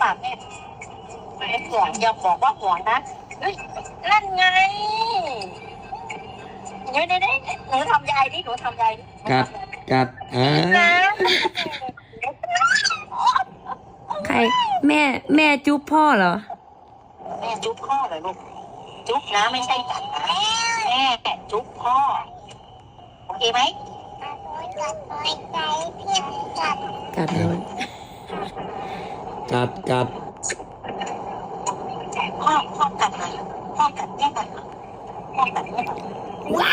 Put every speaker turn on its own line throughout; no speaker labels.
แม่ไม่ห่วงอย่าบอกว่าห่วงนะเฮ้ยนั่นไงเดี๋ยวหนูทำยายดิหนูทำยายดิ
กัด
นะ
ใครแม่จุ๊บพ่อเหรอ
แม่จุ๊บพ่อเลยลูกจุ๊บนะไม่ใช่กัดนะแม่จุ๊บพ่อโอเคไหม
กัดเลย
กัด
พ่อกัดเลยพ่อกัดแม่กัดพ่อกัดแม่กัดว้าย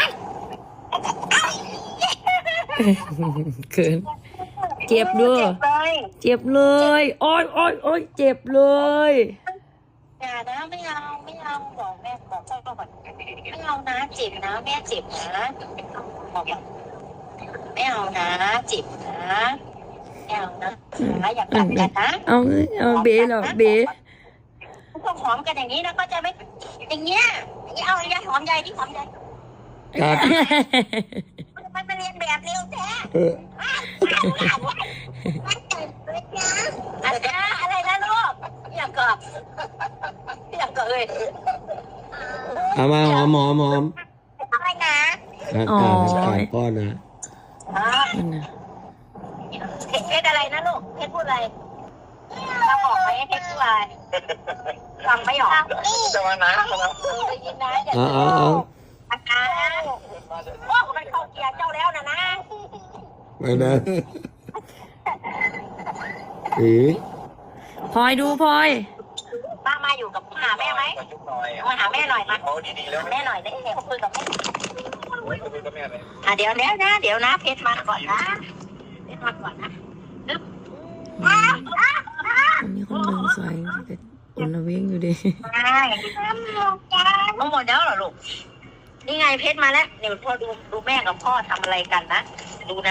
เกินเจ็บด้วยเจ็บเลยโอ้ยเจ็บเลย
อย่านะไม่เอาบอกแม่บอกพ่อก่อนไม่เอานะเจ็บนะแม่เจ็บนะบอกไม่เอานะเจ็บนะไม่เอานะอย่ากัดกันนะ
เอาเบ๋เหรอเบ๋
ต้องหอมกันอย่างนี้นะก็จะไม่อย่างเงี้ยเอาอย่าหอมใหญ่ที่หอมใหญ่
กัด
มันเป็นเรียนแบบเร็วแท้อะไรนะลูกอย่างกับเอ้ย
เอามาหอม
อะไรนะ
กัดป้อนนะ
เพชรอะไรนะลูกเพชรพูดอะไรเราบอกไหมเพชรพูดอะไรฟังไม่ออกจะมานะได้ยินนะอย่าโอ้มันเข้าเกียร์เจ้าแล้วนะ
ไม่นะ
พลอยดูพลอย
ป้ามาอยู่กับหาแม่ไหมมาหาแม่หน่อยมาแม่หน่อยได้เดี๋ยวคุยกับแม่เดี๋ยวนะเพชรมาก่อนนะเพชรมาก่อนนะ
อันนี้คนเมืองสวยแต่คนละเว้งอยู่ดิ
หมดแล้วเหรอลูกนี่ไงเพชรมาแล้วเดี๋ยวพ่อดูแม่กับพ่อทำอะไรกันนะดูนะ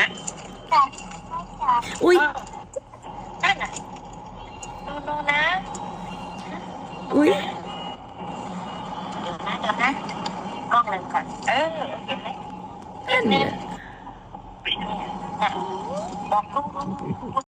อุ้ย
นั่นน่ะดูนะ
อุ้ย
เดี๋ยวนะกล้องหนึ่งก่อนเห็นไหม
นั่นเนี่ย
บอกลูก